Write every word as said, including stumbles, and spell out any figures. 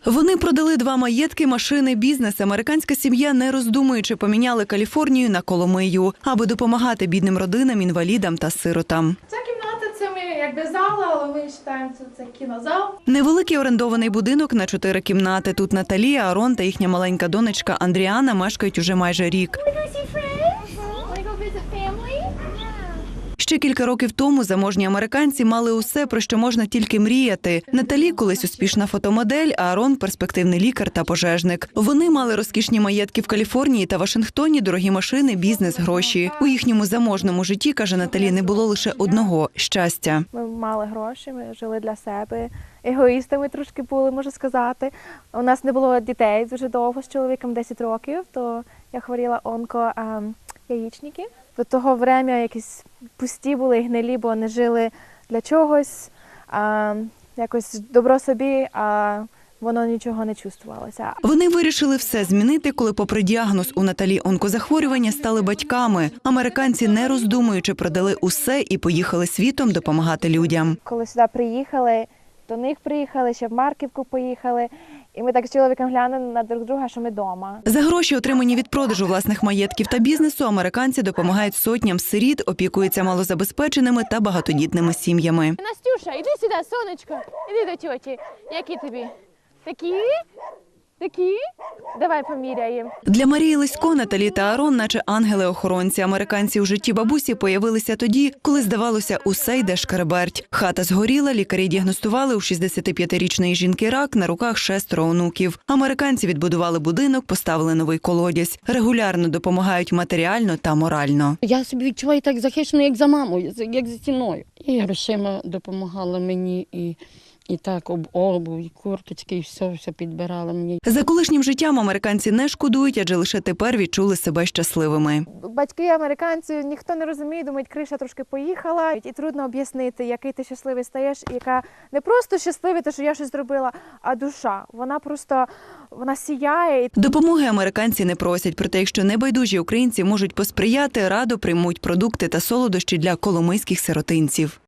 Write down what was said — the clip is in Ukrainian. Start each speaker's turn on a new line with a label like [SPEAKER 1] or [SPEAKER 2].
[SPEAKER 1] Вони продали два маєтки, машини, бізнес. Американська сім'я, не роздумуючи, поміняли Каліфорнію на Коломию, аби допомагати бідним родинам, інвалідам та сиротам.
[SPEAKER 2] Ця кімната – це ми якби зала, але ми вважаємо, що це кінозал.
[SPEAKER 1] Невеликий орендований будинок на чотири кімнати. Тут Наталія, Арон та їхня маленька донечка Андріана мешкають уже майже рік. Ще кілька років тому заможні американці мали усе, про що можна тільки мріяти. Наталі – колись успішна фотомодель, а Арон – перспективний лікар та пожежник. Вони мали розкішні маєтки в Каліфорнії та Вашингтоні, дорогі машини, бізнес, гроші. У їхньому заможному житті, каже Наталі, не було лише одного – щастя.
[SPEAKER 2] Ми мали гроші, ми жили для себе. Егоїстами трошки були, можу сказати. У нас не було дітей дуже довго, з чоловіком десять років, то я хворіла онко а, яєчники. До того врем'я якісь пусті були, гнилі, бо не жили для чогось, а, якось добро собі, а воно нічого не чувствувалося.
[SPEAKER 1] Вони вирішили все змінити, коли попри діагноз у Наталі онкозахворювання стали батьками. Американці, не роздумуючи, продали усе і поїхали світом допомагати людям.
[SPEAKER 2] Коли сюди приїхали, до них приїхали, ще в Марківку поїхали. І ми так з чоловіком глянули на друг друга, що ми вдома.
[SPEAKER 1] За гроші, отримані від продажу власних маєтків та бізнесу, американці допомагають сотням сиріт, опікуються малозабезпеченими та багатодітними сім'ями.
[SPEAKER 3] Настюша, іди сюди, сонечко. Іди до тьоті. Які тобі? Такі? Такі? Давай поміряємо.
[SPEAKER 1] Для Марії Лисько, Наталі та Арон, наче ангели-охоронці. Американці у житті бабусі появилися тоді, коли, здавалося, усе йде шкереберть. Хата згоріла, лікарі діагностували у шістдесятип'ятирічної жінки рак, на руках шестеро онуків. Американці відбудували будинок, поставили новий колодязь. Регулярно допомагають матеріально та морально.
[SPEAKER 4] Я собі відчуваю так захищено, як за мамою, як за стіною. І грошима допомагала мені, і І так об обув, і курточки, і все, все підбирала мені.
[SPEAKER 1] За колишнім життям американці не шкодують, адже лише тепер відчули себе щасливими.
[SPEAKER 2] Батьки американці, ніхто не розуміє, думають, криша трошки поїхала. І трудно об'яснити, який ти щасливий стаєш, яка не просто щаслива, те, що я щось зробила, а душа. Вона просто, вона сіяє.
[SPEAKER 1] Допомоги американці не просять, проте якщо небайдужі українці можуть посприяти, радо приймуть продукти та солодощі для коломийських сиротинців.